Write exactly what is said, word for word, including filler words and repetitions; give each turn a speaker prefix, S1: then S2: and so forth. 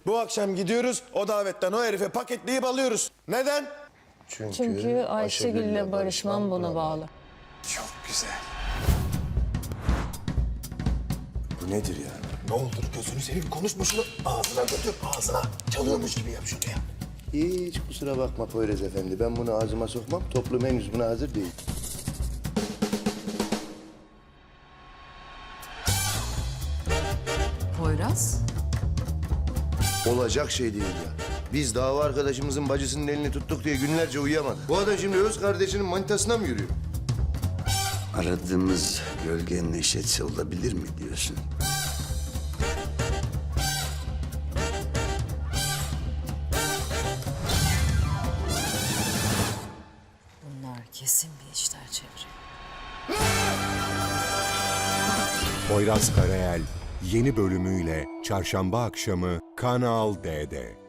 S1: Bu akşam gidiyoruz, o davetten o herife paketleyip alıyoruz. Neden?
S2: Çünkü,
S3: Çünkü Ayşegül'le barışmam buna bağlı.
S1: Çok güzel.
S2: Bu nedir ya?
S1: Ne olur gözünü seveyim, konuşma şunu. Ağzına götür, ağzına. Çalıyormuş gibi yap şunu ya.
S2: Hiç kusura bakma Poyraz Efendi. Ben bunu ağzıma sokmam. Toplum henüz buna hazır değil.
S4: Poyraz?
S2: Olacak şey değil ya. Biz dava arkadaşımızın bacısının elini tuttuk diye günlerce uyuyamadık. Bu adam şimdi öz kardeşinin manitasına mı yürüyor?
S5: Aradığımız gölge Neşet olabilir mi diyorsun?
S4: Bunlar kesin bir işler çeviriyor.
S6: Poyraz Karayel yeni bölümüyle çarşamba akşamı Kanal D'de.